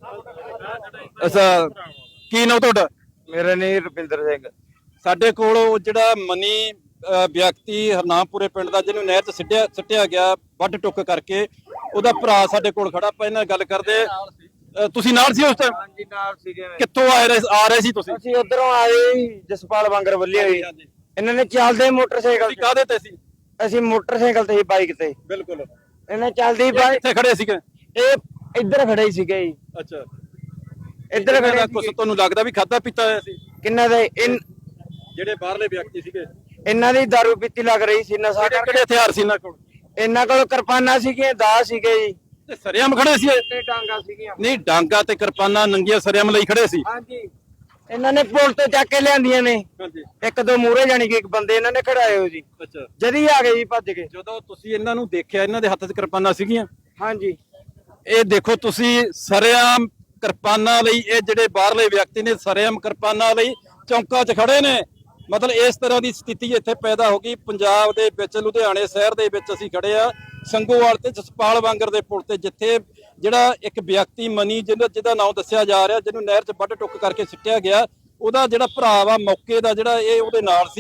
[SPEAKER 2] ਅੱਛਾ, ਕੀ ਨਾਮ ਤੁਹਾਡਾ?
[SPEAKER 1] ਮੇਰਾ ਨਾਂ ਰੁਪਿੰਦਰ ਸਿੰਘ।
[SPEAKER 2] ਸਾਡੇ ਕੋਲ ਉਹ ਜਿਹੜਾ ਮਨੀ ਅਹ, ਵਿਅਕਤੀ ਹਰਨਾਮਪੁਰੇ ਪਿੰਡ ਦਾ, ਜਿਹਨੂੰ ਨਹਿਰ 'ਚ ਸਿੱਟਿਆ ਸਿੱਟਿਆ ਗਿਆ ਵੱਢ ਟੁੱਕ ਕਰਕੇ, ਉਹਦਾ ਭਰਾ ਸਾਡੇ ਕੋਲ ਖੜਾ। ਆਪਾਂ ਇਹਨਾਂ ਨਾਲ ਗੱਲ ਕਰਦੇ। ਅਹ, ਤੁਸੀਂ ਨਾਲ ਸੀ ਉਸ ਟਾਈਮ?
[SPEAKER 1] ਹਾਂਜੀ ਨਾਲ ਸੀਗੇ।
[SPEAKER 2] ਕਿੱਥੋਂ ਆ ਰਹੇ ਆ ਰਹੇ ਸੀ ਤੁਸੀਂ?
[SPEAKER 1] ਅਸੀਂ ਉਧਰੋਂ ਆਏ ਜਸਪਾਲ ਵਾਂਗਰ ਵੱਲੀ ਹੋਈ। ਇਹਨਾਂ ਨੇ ਚੱਲਦੇ ਮੋਟਰਸਾਈਕਲ
[SPEAKER 2] ਤੁਸੀਂ ਕਾਹਦੇ ਤੇ ਸੀ?
[SPEAKER 1] ਅਸੀਂ ਮੋਟਰਸਾਈਕਲ ਤੇ ਸੀ, ਬਾਈਕ ਤੇ।
[SPEAKER 2] ਬਿਲਕੁਲ।
[SPEAKER 1] ਇਹਨੇ ਚੱਲਦੀ ਬਾਈਕ
[SPEAKER 2] ਕਿੱਥੇ ਖੜੇ ਸੀਗੇ?
[SPEAKER 1] ਇਹ ਇੱਧਰ ਖੜੇ ਹੀ ਸੀਗੇ ਜੀ,
[SPEAKER 2] ਅੱਛਾ,
[SPEAKER 1] ਇੱਧਰ ਖੜੇ
[SPEAKER 2] ਕੁਝ
[SPEAKER 1] ਸੀਗੇ।
[SPEAKER 2] ਤੁਹਾਨੂੰ ਲੱਗਦਾ ਵੀ ਖਾਦਾ ਪੀਤਾ ਹੋਇਆ ਸੀ?
[SPEAKER 1] ਕਿੰਨਾ ਦੇ ਇਨ-
[SPEAKER 2] ਜਿਹੜੇ ਬਾਹਰਲੇ ਵਿਅਕਤੀ ਸੀਗੇ,
[SPEAKER 1] ਇਹਨਾਂ ਦੀ ਦਾਰੂ ਪੀਤੀ ਲੱਗ ਰਹੀ ਸੀ, ਨਸ਼ਾ
[SPEAKER 2] ਕਿਹੜੇ
[SPEAKER 1] ਕਰਕੇ।
[SPEAKER 2] ਕਿਹੜੇ ਹਥਿਆਰ ਸੀ ਇਹਨਾਂ ਕੋਲ?
[SPEAKER 1] ਇਹਨਾਂ ਕੋਲ ਕਿਰਪਾਨਾਂ ਸੀਗੀਆਂ, ਦਾਅ ਸੀਗੇ ਜੀ,
[SPEAKER 2] ਤੇ ਸਰੇਆਮ ਖੜੇ ਸੀ ਇਹ?
[SPEAKER 1] ਤੇ ਡਾਂਗਾ ਸੀਗੀਆਂ।
[SPEAKER 2] ਨਹੀਂ, ਡਾਂਗਾ ਤੇ ਕਿਰਪਾਨਾਂ ਨੰਗੀਆਂ ਸਰੇਆਮ ਲਈ ਖੜੇ ਸੀ।
[SPEAKER 1] ਹਾਂਜੀ, ਇਹਨਾਂ ਨੇ ਪੁਲ ਤੇ ਚੱਕ ਕੇ ਲਿਆਂਦੀਆਂ ਨੇ।
[SPEAKER 2] ਹਾਂਜੀ,
[SPEAKER 1] ਇੱਕ ਦੋ ਮੂਹਰੇ ਜਾਣੀ ਕਿ ਇੱਕ ਬੰਦੇ ਇਹਨਾਂ ਨੇ ਖੜਾਏ ਹੋ ਜੀ,
[SPEAKER 2] ਅੱਛਾ।
[SPEAKER 1] ਜਦੀ ਆ ਗਏ ਜੀ ਭੱਜ ਕੇ।
[SPEAKER 2] ਜਦੋਂ ਤੁਸੀਂ ਇਹਨਾਂ ਨੂੰ ਦੇਖਿਆ, ਇਹਨਾਂ ਦੇ ਹੱਥ 'ਚ ਕਿਰਪਾਨਾਂ ਸੀਗੀਆਂ?
[SPEAKER 1] ਹਾਂਜੀ,
[SPEAKER 2] ਇਹ ਦੇਖੋ ਤੁਸੀਂ, ਸਰੇਆਮ ਕਿਰਪਾਨਾਂ ਲਈ ਇਹ ਜਿਹੜੇ ਬਾਹਰਲੇ ਵਿਅਕਤੀ ਨੇ ਸਰੇਆਮ ਕਿਰਪਾਨਾਂ ਲਈ ਚੌਂਕਾਂ 'ਚ ਖੜੇ ਨੇ। ਮਤਲਬ ਇਸ ਤਰ੍ਹਾਂ ਦੀ ਸਥਿਤੀ ਇੱਥੇ ਪੈਦਾ ਹੋ ਗਈ ਪੰਜਾਬ ਦੇ ਵਿੱਚ। ਲੁਧਿਆਣੇ ਸ਼ਹਿਰ ਦੇ ਵਿੱਚ ਅਸੀਂ ਖੜੇ ਆ, ਸੰਗੋਵਾਲ ਤੇ ਜਸਪਾਲ ਵਾਂਗਰ ਦੇ ਪੁਲ ਤੇ, ਜਿੱਥੇ ਜਿਹੜਾ ਇੱਕ ਵਿਅਕਤੀ ਮਨੀ, ਜਿਹਦਾ ਜਿਹਦਾ ਨਾਮ ਦੱਸਿਆ ਜਾ ਰਿਹਾ, ਜਿਹਨੂੰ ਨਹਿਰ 'ਚ ਵੱਢ ਟੁੱਕ ਕਰਕੇ ਸਿੱਟਿਆ ਗਿਆ, ਉਹਦਾ ਜਿਹੜਾ ਭਰਾ ਵਾ ਮੌਕੇ ਦਾ, ਜਿਹੜਾ ਇਹ ਉਹਦੇ ਨਾਲ ਸੀ,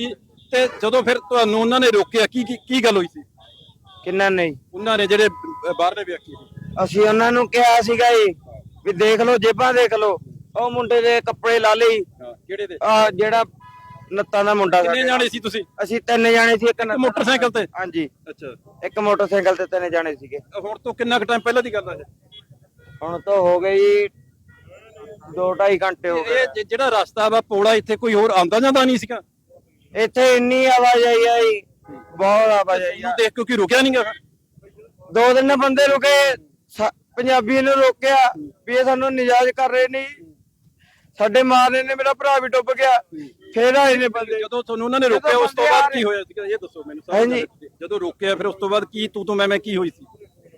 [SPEAKER 2] ਤੇ ਜਦੋਂ ਫਿਰ ਤੁਹਾਨੂੰ ਉਹਨਾਂ ਨੇ ਰੋਕਿਆ ਕੀ ਕੀ ਕੀ ਗੱਲ ਹੋਈ ਸੀ?
[SPEAKER 1] ਕਿੰਨਾ ਨਹੀਂ
[SPEAKER 2] ਉਹਨਾਂ ਨੇ ਜਿਹੜੇ ਬ- ਬਾਹਰਲੇ ਵਿਅਕਤੀ ਸੀ।
[SPEAKER 1] ਅਸੀਂ ਉਹਨਾਂ ਨੂੰ ਕਿਹਾ ਸੀਗਾ ਜੀ ਵੀ ਦੇਖ ਲਓ ਜੇਬਾਂ ਦੇਖ ਲਓ, ਉਹ ਮੁੰਡੇ ਦੇ ਕੱਪੜੇ ਲਾ ਲਈ,
[SPEAKER 2] ਹਾਂ ਕਿਹੜੇ ਦੇ?
[SPEAKER 1] ਆ ਜਿਹੜਾ ਨੱਤਾਂ ਦਾ ਮੁੰਡਾ
[SPEAKER 2] ਕਿੰਨੇ
[SPEAKER 1] ਸਾਡੇ
[SPEAKER 2] ਜਾਣੇ ਸੀ ਤੁਸੀਂ?
[SPEAKER 1] ਅਸੀਂ ਤਿੰਨ ਜਾਣੇ ਸੀ, ਇੱਕ ਨੱਤਾਂ ਦਾ-
[SPEAKER 2] ਮੋਟਰਸਾਈਕਲ ਤੇ?
[SPEAKER 1] ਹਾਂਜੀ,
[SPEAKER 2] ਅੱਛਾ,
[SPEAKER 1] ਇੱਕ ਮੋਟਰਸਾਈਕਲ ਤੇ ਤਿੰਨ ਜਾਣੇ ਸੀਗੇ।
[SPEAKER 2] ਹੁਣ ਤੋਂ ਕਿੰਨਾ ਕੁ ਟਾਈਮ ਪਹਿਲਾਂ ਦੀ ਗੱਲ ਹੈ
[SPEAKER 1] ਹੁਣ ਤਾਂ ਹੋ ਗਈ ਦੋ ਢਾਈ ਘੰਟੇ ਹੋ
[SPEAKER 2] ਇਹ?
[SPEAKER 1] ਗਏ।
[SPEAKER 2] ਇਹ ਜਿਹੜਾ ਰਸਤਾ ਵਾ ਪੋਲਾ, ਇੱਥੇ ਕੋਈ ਹੋਰ ਆਂਦਾ ਜਾਂਦਾ ਨਹੀਂ ਸੀਗਾ?
[SPEAKER 1] ਇੱਥੇ ਇੰਨੀ ਆਵਾਜਾਈ ਆ ਜੀ, ਬਹੁਤ ਆਵਾਜਾਈ
[SPEAKER 2] ਇਹਨੂੰ
[SPEAKER 1] ਆ।
[SPEAKER 2] ਦੇਖ ਕੇ ਕੋਈ ਰੁਕਿਆ ਨਹੀਂਗਾ?
[SPEAKER 1] ਦੋ ਦਿਨ ਬੰਦੇ ਰੁਕੇ, ਸਾ- ਪੰਜਾਬੀ ਨੂੰ ਰੋਕਿਆ ਵੀ ਇਹ ਸਾਨੂੰ ਨਿਜਾਜ਼ ਕਰ ਰਹੇ ਨੇ, ਸਾਡੇ ਮਾਰਨੇ ਨੇ, ਮੇਰਾ ਭਰਾ ਵੀ ਡੁੱਬ ਗਿਆ। ਫੇਰ ਆਏ ਨੇ ਬੰਦੇ।
[SPEAKER 2] ਜਦੋਂ ਤੁਹਾਨੂੰ ਉਹਨਾਂ ਨੇ ਰੋਕਿਆ ਉਸ ਤੋਂ ਬਾਅਦ ਕੀ ਹੋਇਆ ਸੀਗਾ ਇਹ ਦੱਸੋ ਮੈਨੂੰ ਸਾਰਾ।
[SPEAKER 1] ਹਾਂਜੀ।
[SPEAKER 2] ਜਦੋਂ ਰੋਕਿਆ ਫਿਰ ਉਸ ਤੋਂ ਬਾਅਦ ਕੀ ਤੂੰ ਤੂੰ ਮੈਂ ਮੈਂ ਕੀ ਹੋਈ ਸੀ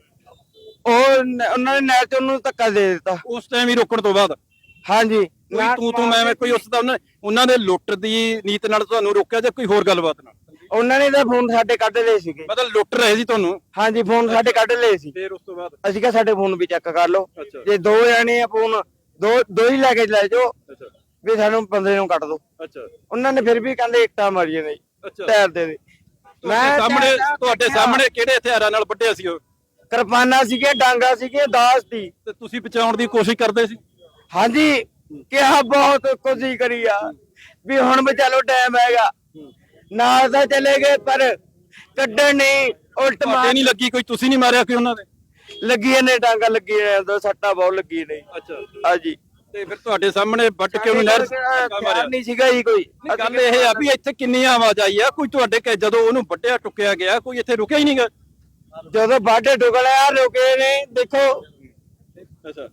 [SPEAKER 1] ਉਹ ਨ- ਉਹਨਾਂ ਨੇ ਨਹਿਰ ਚ ਉਹਨੂੰ ਧੱਕਾ ਦੇ ਦਿੱਤਾ।
[SPEAKER 2] ਉਸ ਟਾਈਮ ਹੀ ਰੋਕਣ ਤੋਂ ਬਾਅਦ?
[SPEAKER 1] ਹਾਂਜੀ,
[SPEAKER 2] ਕੋਈ ਤੂੰ ਤੂੰ ਮੈਂ ਮੈਂ ਕੋਈ ਉਸ ਦਾ ਉਹਨਾਂ ਉਹਨਾਂ ਦੇ ਲੁੱਟ ਦੀ ਨੀਤ ਨਾਲ ਤੁਹਾਨੂੰ ਰੋਕਿਆ ਜਾਂ ਕੋਈ ਹੋਰ ਗੱਲਬਾਤ ਨਾਲ?
[SPEAKER 1] ਉਹਨਾਂ ਨੇ ਤਾਂ ਫੋਨ ਸਾਡੇ ਕੱਢ ਲਏ ਸੀਗੇ।
[SPEAKER 2] ਮਤਲਬ ਲੁੱਟ ਰਹੇ ਸੀ ਤੁਹਾਨੂੰ?
[SPEAKER 1] ਹਾਂਜੀ, ਫੋਨ ਸਾਡੇ ਕੱਢ ਲਏ ਸੀ।
[SPEAKER 2] ਫਿਰ ਉਸ ਤੋਂ ਬਾਅਦ?
[SPEAKER 1] ਅਸੀਂ ਕਿਹਾ ਸਾਡੇ ਫੋਨ ਵੀ ਚੈੱਕ ਕਰ ਲਓ,
[SPEAKER 2] ਅੱਛਾ
[SPEAKER 1] ਜੇ ਦੋ ਜਾਣੇ ਆ ਫੋਨ ਦੋ ਦੋ ਹੀ ਲੈ ਕੇ ਲੈ ਜਾਓ,
[SPEAKER 2] ਅੱਛਾ
[SPEAKER 1] ਵੀ ਸਾਨੂੰ ਬੰਦੇ ਨੂੰ ਕੱਢ ਦੋ।
[SPEAKER 2] ਅੱਛਾ
[SPEAKER 1] ਉਹਨਾਂ ਨੇ ਫਿਰ ਵੀ ਕਹਿੰਦੇ ਇੱਟਾਂ ਮਾਰੀਆਂ ਨੇ ਜੀ,
[SPEAKER 2] ਅੱਛਾ।
[SPEAKER 1] ਟਾਇਰ ਦੇ ਦੇ।
[SPEAKER 2] ਤੁਹਾਡੇ ਸਾਹਮਣੇ ਤੁਹਾਡੇ ਸਾਹਮਣੇ ਕਿਹੜੇ ਹਥਿਆਰਾਂ ਨਾਲ ਵੱਢਿਆ ਸੀ ਉਹ?
[SPEAKER 1] ਕਿਰਪਾਨਾਂ ਸੀਗੇ, ਡਾਂਗਾ ਸੀਗੇ, ਦਾਸ ਸੀ।
[SPEAKER 2] ਤੇ ਤੁਸੀਂ ਬਚਾਉਣ ਦੀ ਕੋਸ਼ਿਸ਼ ਕਰਦੇ ਸੀ?
[SPEAKER 1] ਹਾਂਜੀ, ਕਿਹਾ ਬਹੁਤ ਕੋਸ਼ਿਸ਼ ਕਰੀ ਆ ਵੀ ਹੁਣ ਵੀ ਚਲੋ ਟਾਈਮ ਹੈਗਾ, ਨਾਲ ਤਾਂ ਚਲੇ ਗਏ ਪਰ ਕੱਢਣ ਨਹੀਂ, ਉਲਟ
[SPEAKER 2] ਤੁਹਾਡੇ
[SPEAKER 1] ਮਾਰ
[SPEAKER 2] ਨਹੀਂ ਲੱਗੀ ਕੋਈ? ਤੁਸੀਂ ਨਹੀਂ ਮਾਰਿਆ ਕੋਈ ਉਹਨਾਂ ਨੇ?
[SPEAKER 1] ਲੱਗੀਆਂ ਨੇ, ਡਾਂਗਾ ਲੱਗੀਆਂ ਨੇ, ਸੱਟਾਂ ਬਹੁਤ ਲੱਗੀ ਨੇ।
[SPEAKER 2] ਅੱਛਾ।
[SPEAKER 1] ਹਾਂਜੀ,
[SPEAKER 2] ਤੇ ਫਿਰ ਤੁਹਾਡੇ ਸਾਹਮਣੇ ਵੱਟ ਕੇ ਉਹਨੂੰ ਨਹਿਰ 'ਚ ਧੱਕਾ ਮਾਰਿਆ?
[SPEAKER 1] ਨਹੀਂ ਸੀਗਾ ਜੀ ਕੋਈ।
[SPEAKER 2] ਨਹੀਂ, ਗੱਲ ਇਹ ਆ ਵੀ ਇੱਥੇ ਕਿੰਨੀਆਂ ਆਵਾਜਾਈ ਆ, ਕੋਈ ਤੁਹਾਡੇ ਕਿ ਜਦੋਂ ਉਹਨੂੰ ਵੱਢਿਆ ਟੁੱਕਿਆ ਗਿਆ ਕੋਈ ਇੱਥੇ ਰੁਕਿਆ ਹੀ ਨਹੀਂਗਾ?
[SPEAKER 1] ਜਦੋਂ ਬਾਡੇ ਡੁਗਲਿਆ ਰੁਕੇ ਨੇ, ਦੇਖੋ।
[SPEAKER 2] ਅੱਛਾ।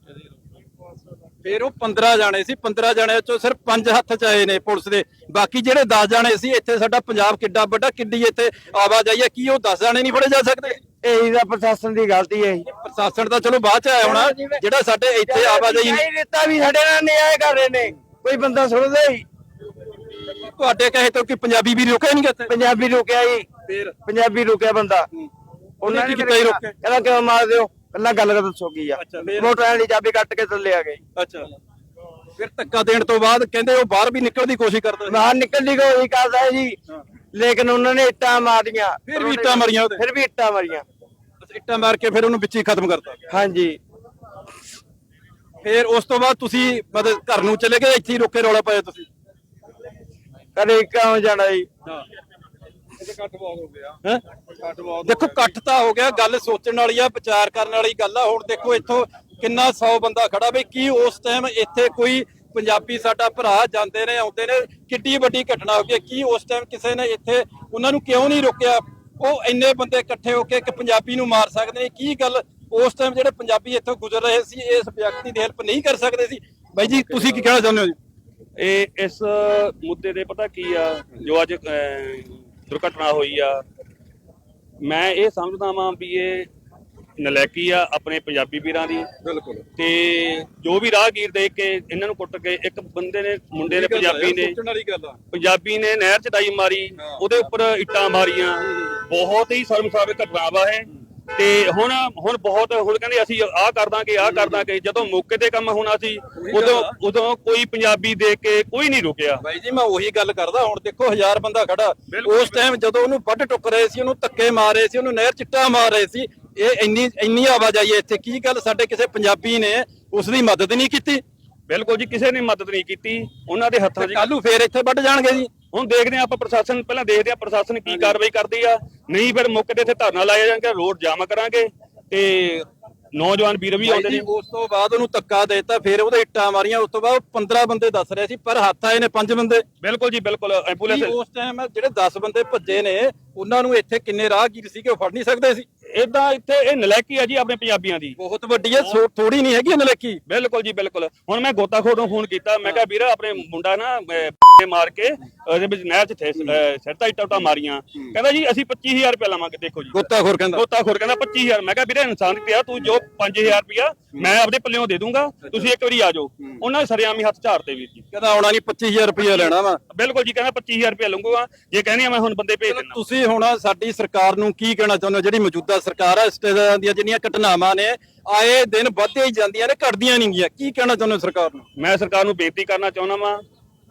[SPEAKER 2] ਫਿਰ ਉਹ ਪੰਦਰਾਂ ਜਾਣੇ ਸੀ, ਪੰਦਰਾਂ ਜਾਣਿਆਂ ਚੋਂ ਸਿਰਫ ਪੰਜ ਹੱਥ ਚ ਆਏ ਨੇ ਪੁਲਿਸ ਦੇ, ਬਾਕੀ ਜਿਹੜੇ ਦਸ ਜਾਣੇ ਸੀ, ਇੱਥੇ ਸਾਡਾ ਪੰਜਾਬ ਕਿੱਡਾ ਵੱਡਾ, ਕਿੱਡੀ ਇੱਥੇ ਆਵਾਜਾਈ ਆ, ਕੀ ਉਹ ਦਸ ਜਾਣੇ ਨਹੀਂ ਫੜੇ ਜਾ ਸਕਦੇ?
[SPEAKER 1] ਇਹੀ ਤਾਂ ਪ੍ਰਸ਼ਾਸਨ ਦੀ ਗਲਤੀ ਹੈ ਜੀ।
[SPEAKER 2] ਪ੍ਰਸ਼ਾਸਨ ਤਾਂ ਚਲੋ ਬਾਅਦ ਚ ਆਇਆ ਹੋਣਾ, ਜਿਹੜਾ ਸਾਡੇ ਇੱਥੇ ਆਵਾਜਾਈ
[SPEAKER 1] ਨਹੀਂ ਦਿੱਤਾ ਵੀ ਸਾਡੇ ਨਾਲ ਨਿਆਂ ਕਰ ਰਹੇ ਨੇ, ਕੋਈ ਬੰਦਾ ਸੁਣਦਾ ਹੀ।
[SPEAKER 2] ਤੁਹਾਡੇ ਕਹੇ ਤੋਂ ਕਿ ਪੰਜਾਬੀ ਵੀ ਰੁਕਿਆ ਨਹੀਂ ਇੱਥੇ?
[SPEAKER 1] ਪੰਜਾਬੀ ਰੁਕਿਆ ਜੀ,
[SPEAKER 2] ਫਿਰ
[SPEAKER 1] ਪੰਜਾਬੀ ਰੁਕਿਆ ਬੰਦਾ।
[SPEAKER 2] ਉਹਨੇ ਕੀ ਕੀਤਾ ਹੀ ਰੋਕਿਆ?
[SPEAKER 1] ਕਹਿੰਦਾ ਕਿਉਂ ਮਾਰ ਦਿਓ, ਪਹਿਲਾਂ ਗੱਲ ਕਰ ਦੱਸੋ ਕੀ ਆ।
[SPEAKER 2] ਅੱਛਾ, ਫਿਰ?
[SPEAKER 1] ਮੋਟਰਾਂ ਦੀ ਚਾਬੀ ਕੱਟ ਕੇ ਥੱਲੇ ਆ ਗਏ।
[SPEAKER 2] ਅੱਛਾ। ਫਿਰ ਧੱਕਾ ਦੇਣ ਤੋਂ ਬਾਅਦ ਕਹਿੰਦੇ ਉਹ ਬਾਹਰ ਵੀ ਨਿਕਲਣ ਦੀ ਕੋਸ਼ਿਸ਼ ਕਰਦਾ ਸੀ?
[SPEAKER 1] ਬਾਹਰ ਨਿਕਲਣ ਦੀ ਕੋਸ਼ਿਸ਼ ਕਰਦਾ ਹੈ ਜੀ, ਲੇਕਿਨ ਉਹਨਾਂ ਨੇ ਇੱਟਾਂ ਮਾਰੀਆਂ।
[SPEAKER 2] ਫਿਰ ਵੀ ਇੱਟਾਂ ਮਾਰੀਆਂ ਉਹਦੇ?
[SPEAKER 1] ਫਿਰ ਵੀ ਇੱਟਾਂ ਮਾਰੀਆਂ।
[SPEAKER 2] ਅੱਛਾ, ਇੱਟਾਂ ਮਾਰ ਕੇ ਫਿਰ ਉਹਨੂੰ ਵਿੱਚ ਹੀ ਖਤਮ ਕਰਤਾ?
[SPEAKER 1] ਹਾਂਜੀ,
[SPEAKER 2] ਫਿਰ ਉਸ ਤੋਂ ਬਾਅਦ ਤੁਸੀਂ ਮਤਲਬ ਘਰ ਨੂੰ ਚਲੇ ਗਏ, ਇੱਥੇ ਹੀ ਰੋਕੇ ਰੌਲਾ ਪਾਇਆ ਤੁਸੀਂ?
[SPEAKER 1] ਕਦੇ ਕਿਉਂ ਜਾਣਾ ਜੀ।
[SPEAKER 2] ਹਾਂ। ਹੈਂ? ਦੇਖੋ ਇਕੱਠ ਤਾਂ ਹੋ ਗਿਆ, ਗੱਲ ਸੋਚਣ ਵਾਲੀ ਆ, ਵਿਚਾਰ ਕਰਨ ਵਾਲੀ ਗੱਲ ਆ। ਹੁਣ ਦੇਖੋ ਇੱਥੋਂ ਕਿੰਨਾ ਸੌ ਬੰਦਾ ਖੜਾ, ਬਈ ਕੀ ਉਸ ਟਾਈਮ ਇੱਥੇ ਕੋਈ ਪੰਜਾਬੀ ਸਾਡਾ ਭਰਾ ਜਾਂਦੇ ਨੇ ਆਉਂਦੇ ਨੇ, ਕਿੱਡੀ ਵੱਡੀ ਘਟਨਾ ਹੋ ਗਈ, ਕੀ ਉਸ ਟਾਈਮ ਕਿਸੇ ਨੇ ਇੱਥੇ ਉਹਨਾਂ ਨੂੰ ਕਿਉਂ ਨਹੀਂ ਰੋਕਿਆ? ਉਹ ਇੰਨੇ ਬੰਦੇ ਇਕੱਠੇ ਹੋ ਕੇ ਇੱਕ ਪੰਜਾਬੀ ਨੂੰ ਮਾਰ ਸਕਦੇ ਨੇ, ਕੀ ਗੱਲ ਉਸ ਟਾਈਮ ਜਿਹੜੇ ਪੰਜਾਬੀ ਇੱਥੋਂ ਗੁਜ਼ਰ ਰਹੇ ਸੀ ਇਸ ਵਿਅਕਤੀ ਦੀ ਹੈਲਪ ਨਹੀਂ ਕਰ ਸਕਦੇ ਸੀ? ਬਾਈ ਜੀ ਤੁਸੀਂ ਕੀ ਕਹਿਣਾ ਚਾਹੁੰਦੇ ਹੋ ਜੀ?
[SPEAKER 6] ਇਹ ਇਸ ਮੁੱਦੇ ਦੇ ਪਤਾ ਕੀ ਆ, ਜੋ ਅੱਜ ਅਹ, ਦੁਰਘਟਨਾ ਹੋਈ ਆ, ਮੈਂ ਇਹ ਸਮਝਦਾ ਵਾਂ ਵੀ ਇਹ ਨਲਾਇਕੀ ਆ ਆਪਣੇ ਪੰਜਾਬੀ ਵੀਰਾਂ ਦੀ।
[SPEAKER 2] ਬਿਲਕੁਲ।
[SPEAKER 6] ਤੇ ਜੋ ਵੀ ਰਾਹਗੀਰ ਦੇਖ ਕੇ ਇਹਨਾਂ ਨੂੰ ਕੁੱਟ ਕੇ, ਇੱਕ ਬੰਦੇ ਨੇ ਮੁੰਡੇ ਨੇ ਪੰਜਾਬੀ ਨੇ
[SPEAKER 2] ਸੋਚਣ ਵਾਲੀ ਗੱਲ ਆ।
[SPEAKER 6] ਪੰਜਾਬੀ ਨੇ ਨਹਿਰ ਚ ਡਾਈ ਮਾਰੀ, ਉਹਦੇ ਉੱਪਰ ਇੱਟਾਂ ਮਾਰੀਆਂ, ਬਹੁਤ ਹੀ ਸ਼ਰਮਸਾਰ ਘਟਨਾ ਵਾ ਇਹ। ਤੇ ਹੁਣ ਹੁਣ ਬਹੁਤ ਹੁਣ ਕਹਿੰਦੇ ਅਸੀਂ ਆਹ ਕਰ ਦਾਂਗੇ ਆਹ ਕਰ ਦਾਂਗੇ, ਜਦੋਂ ਮੌਕੇ ਤੇ ਕੰਮ ਹੋਣਾ ਸੀ ਉਦੋਂ ਉਦੋਂ ਕੋਈ ਪੰਜਾਬੀ ਦੇਖ ਕੇ ਕੋਈ ਨਹੀਂ ਰੁਕਿਆ।
[SPEAKER 2] ਬਾਈ ਜੀ ਮੈਂ ਉਹੀ ਗੱਲ ਕਰਦਾ, ਹੁਣ ਦੇਖੋ ਹਜ਼ਾਰ ਬੰਦਾ ਖੜਾ, ਉਸ ਟਾਈਮ ਜਦੋਂ ਉਹਨੂੰ ਵੱਢ ਟੁੱਕ ਰਹੇ ਸੀ, ਉਹਨੂੰ ਧੱਕੇ ਮਾਰ ਰਹੇ ਸੀ, ਉਹਨੂੰ ਨਹਿਰ ਚਿੱਟਾ ਮਾਰ ਰਹੇ ਸੀ, ਇਹ ਇੰਨੀ ਇੰਨੀ ਆਵਾਜਾਈ ਹੈ ਇੱਥੇ, ਕੀ ਗੱਲ ਸਾਡੇ ਕਿਸੇ ਪੰਜਾਬੀ ਨੇ ਉਸ ਦੀ ਮਦਦ ਨਹੀਂ ਕੀਤੀ?
[SPEAKER 6] ਬਿਲਕੁਲ ਜੀ, ਕਿਸੇ ਨੇ ਮਦਦ ਨਹੀਂ ਕੀਤੀ, ਉਹਨਾਂ ਦੇ ਹੱਥਾਂ 'ਚ।
[SPEAKER 2] ਕੱਲੂ ਫੇਰ ਇੱਥੇ ਵੱਢ ਜਾਣਗੇ ਜੀ।
[SPEAKER 6] ਹੁਣ ਦੇਖਦੇ ਆ ਆਪਾਂ, ਪ੍ਰਸ਼ਾਸਨ ਪਹਿਲਾਂ ਦੇਖਦੇ ਆ ਪ੍ਰਸ਼ਾਸਨ ਕੀ ਕਾਰਵਾਈ ਕਰਦੀ ਆ, ਨਹੀਂ ਫਿਰ ਮੌਕੇ ਤੇ ਇੱਥੇ ਧਰਨਾ ਲਾਇਆ ਜਾਣਗੇ, ਰੋਡ ਜਾਮ ਕਰਾਂਗੇ ਤੇ ਨੌਜਵਾਨ ਵੀਰ ਵੀ ਆਉਂਦੇ ਨੇ।
[SPEAKER 2] ਉਸ ਤੋਂ ਬਾਅਦ ਉਹਨੂੰ ਧੱਕਾ ਦੇਤਾ, ਫਿਰ ਉਹਦੇ ਇੱਟਾਂ ਮਾਰੀਆਂ, ਉਸ ਤੋਂ ਬਾਅਦ ਪੰਦਰਾਂ ਬੰਦੇ ਦੱਸ ਰਹੇ ਸੀ, ਪਰ ਹੱਥ ਆਏ ਨੇ ਪੰਜ ਬੰਦੇ।
[SPEAKER 6] ਬਿਲਕੁਲ ਜੀ ਬਿਲਕੁਲ। ਐਂਬੂਲੈਂਸ
[SPEAKER 2] ਉਸ ਟਾਈਮ ਜਿਹੜੇ ਦਸ ਬੰਦੇ ਭੱਜੇ ਨੇ, ਉਹਨਾਂ ਨੂੰ ਇੱਥੇ ਕਿੰਨੇ ਰਾਹਗੀਰ ਸੀਗੇ ਉਹ ਫੜ ਨਹੀਂ ਸਕਦੇ ਸੀ?
[SPEAKER 6] ਇਦਾਂ ਇੱਥੇ ਇਹ ਨਲਾਇਕੀ ਆ ਜੀ ਆਪਣੇ ਪੰਜਾਬੀਆਂ ਦੀ,
[SPEAKER 2] ਬਹੁਤ ਵੱਡੀ ਹੈ, ਥੋੜੀ ਨਹੀਂ ਹੈਗੀ ਨਲਾਇਕੀ।
[SPEAKER 6] ਬਿਲਕੁਲ ਜੀ ਬਿਲਕੁਲ। ਹੁਣ ਮੈਂ ਗੋਤਾਖੋਰ ਨੂੰ ਫੋਨ ਕੀਤਾ, ਮੈਂ ਕਿਹਾ ਵੀਰ ਆਪਣੇ ਮੁੰਡਾ ਨਾ ਅਹ, ਮਾਰ ਕੇ ਉਹਦੇ ਵਿੱਚ ਨਹਿਰ 'ਚ ਸਿਰਤਾ ਇੱਟਾਂ ਉੱਟਾਂ ਮਾਰੀਆਂ, ਕਹਿੰਦਾ ਜੀ ਅਸੀਂ ਪੱਚੀ ਹਜ਼ਾਰ ਰੁਪਏ ਲਵਾਂਗੇ। ਦੇਖੋ ਜੀ,
[SPEAKER 2] ਗੋਤਾਖੋਰ ਕਹਿੰਦਾ
[SPEAKER 6] ਗੋਤਾਖੋਰ ਕਹਿੰਦਾ ਪੱਚੀ ਹਜ਼ਾਰ। ਮੈਂ ਕਿਹਾ ਵੀਰੇ ਇਨਸਾਨ ਪਿਆ, ਤੂੰ ਜੋ ਪੰਜ ਹਜ਼ਾਰ ਰੁਪਇਆ ਮੈਂ ਆਪਣੇ ਪੱਲਿਓਂ ਦੇ ਦੂੰਗਾ, ਤੁਸੀਂ ਇੱਕ ਵਾਰੀ ਆ ਜਾਓ। ਉਹਨਾਂ ਨੇ ਸਰਿਆਮੀ ਹੱਥ ਝਾੜਤੇ ਵੀਰ ਜੀ,
[SPEAKER 2] ਕਹਿੰਦਾ ਆਉਣਾ ਨਹੀਂ, ਪੱਚੀ ਹਜ਼ਾਰ ਰੁਪਇਆ ਲੈਣਾ ਵਾ।
[SPEAKER 6] ਬਿਲਕੁਲ ਜੀ, ਕਹਿੰਦਾ ਪੱਚੀ ਹਜ਼ਾਰ ਰੁਪਇਆ ਲਵਾਂਗਾ, ਜੇ ਕਹਿੰਦੀ ਆ ਮੈਂ ਹੁਣ ਬੰਦੇ ਭੇਜ ਦਿੰਦਾ।
[SPEAKER 2] ਤੁਸੀਂ ਹੁਣ ਸਾਡੀ ਸਰਕਾਰ ਨੂੰ ਕੀ ਕਹਿਣਾ ਚਾਹੁੰਦੇ ਹੋ? ਜਿਹੜੀ ਮੌਜੂਦਾ ਸਰਕਾਰ ਹੈ, ਇਸ ਤਰ੍ਹਾਂ ਦੀਆਂ ਜਿਹੜੀਆਂ ਘਟਨਾਵਾਂ ਨੇ ਆਏ ਦਿਨ ਵੱਧਦੀਆਂ ਹੀ ਜਾਂਦੀਆਂ ਨੇ, ਘਟਦੀਆਂ ਨਹੀਂ ਗਈਆਂ, ਕੀ ਕਹਿਣਾ ਚਾਹੁੰਦੇ ਹੋ ਸਰਕਾਰ ਨੂੰ?
[SPEAKER 6] ਮੈਂ ਸਰਕਾਰ ਨੂੰ ਬੇਨਤੀ ਕਰਨਾ ਚਾਹੁੰਦਾ ਵਾਂ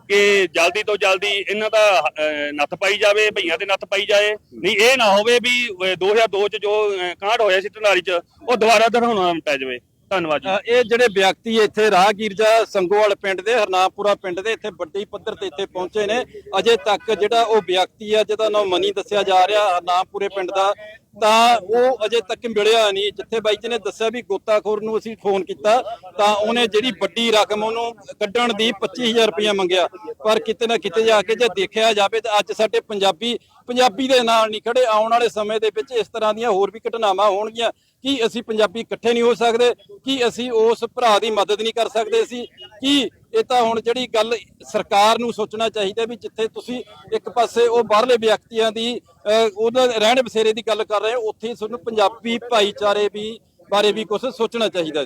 [SPEAKER 6] ਕਿ ਜਲਦੀ ਤੋਂ ਜਲਦੀ ਇਹਨਾਂ ਦਾ ਅਹ, ਨੱਥ ਪਾਈ ਜਾਵੇ, ਭਈਆਂ ਤੇ ਨੱਥ ਪਾਈ ਜਾਏ। ਨਹੀਂ ਇਹ ਨਾ ਹੋਵੇ ਵੀ ਅਹ, ਦੋ ਹਜ਼ਾਰ ਦੋ ਚ ਜੋ ਅਹ, ਕਾਂਡ ਹੋਇਆ ਸੀ ਢਨਾਰੀ ਚ ਉਹ ਦੁਬਾਰਾ ਦੁਹਰਾਉਣਾ ਪੈ ਜਾਵੇ। ਧੰਨਵਾਦ ਜੀ।
[SPEAKER 2] ਅ, ਇਹ ਜਿਹੜੇ ਵਿਅਕਤੀ ਇੱਥੇ ਰਾਹਗੀਰ ਜਾਂ ਸੰਗੋਵਾਲ ਪਿੰਡ ਦੇ, ਹਰਨਾਮਪੁਰਾ ਪਿੰਡ ਦੇ ਇੱਥੇ ਵੱਡੀ ਪੱਧਰ ਤੇ ਇੱਥੇ ਪਹੁੰਚੇ ਨੇ। ਅਜੇ ਤੱਕ ਜਿਹੜਾ ਉਹ ਵਿਅਕਤੀ ਆ ਜਿਹਦਾ ਨਾਮ ਮਨੀ ਦੱਸਿਆ ਜਾ ਰਿਹਾ ਹਰਨਾਮਪੁਰੇ ਪਿੰਡ ਦਾ, ਤਾਂ ਉਹ ਅਜੇ ਤੱਕ ਮਿਲਿਆ ਨਹੀਂ। ਜਿੱਥੇ ਬਾਈ ਜੀ ਨੇ ਦੱਸਿਆ ਵੀ ਗੋਤਾਖੋਰ ਨੂੰ ਅਸੀਂ ਫੋਨ ਕੀਤਾ ਤਾਂ ਉਹਨੇ ਜਿਹੜੀ ਵੱਡੀ ਰਕਮ ਉਹਨੂੰ ਕੱਢਣ ਦੀ ਪੱਚੀ ਹਜ਼ਾਰ ਰੁਪਇਆ ਮੰਗਿਆ, ਪਰ ਕਿਤੇ ਨਾ ਕਿਤੇ ਜਾ ਕੇ ਜੇ ਦੇਖਿਆ ਜਾਵੇ ਤਾਂ ਅੱਜ ਸਾਡੇ ਪੰਜਾਬੀ ਪੰਜਾਬੀ ਦੇ ਨਾਲ ਨਹੀਂ ਖੜੇ। ਆਉਣ ਵਾਲੇ ਸਮੇਂ ਦੇ ਵਿੱਚ ਇਸ ਤਰ੍ਹਾਂ ਦੀਆਂ ਹੋਰ ਵੀ ਘਟਨਾਵਾਂ ਹੋਣਗੀਆਂ। ਕੀ ਅਸੀਂ ਪੰਜਾਬੀ ਇਕੱਠੇ ਨਹੀਂ ਹੋ ਸਕਦੇ? ਕੀ ਅਸੀਂ ਉਸ ਭਰਾ ਦੀ ਮਦਦ ਨਹੀਂ ਕਰ ਸਕਦੇ? ਅਸੀਂ ਕੀ ਇਹ ਤਾਂ ਹੁਣ ਜਿਹੜੀ ਗੱਲ ਸਰਕਾਰ ਨੂੰ ਸੋਚਣਾ ਚਾਹੀਦਾ ਵੀ ਜਿੱਥੇ ਤੁਸੀਂ ਇੱਕ ਪਾਸੇ ਉਹ ਬਾਹਰਲੇ ਵਿਅਕਤੀਆਂ ਦੀ ਅਹ, ਉਹਦਾ ਰਹਿਣ ਬਸੇਰੇ ਦੀ ਗੱਲ ਕਰ ਰਹੇ ਹੋ, ਉੱਥੇ ਤੁਹਾਨੂੰ ਪੰਜਾਬੀ ਭਾਈਚਾਰੇ ਵੀ ਬਾਰੇ ਵੀ ਕੁਝ ਸੋਚਣਾ ਚਾਹੀਦਾ।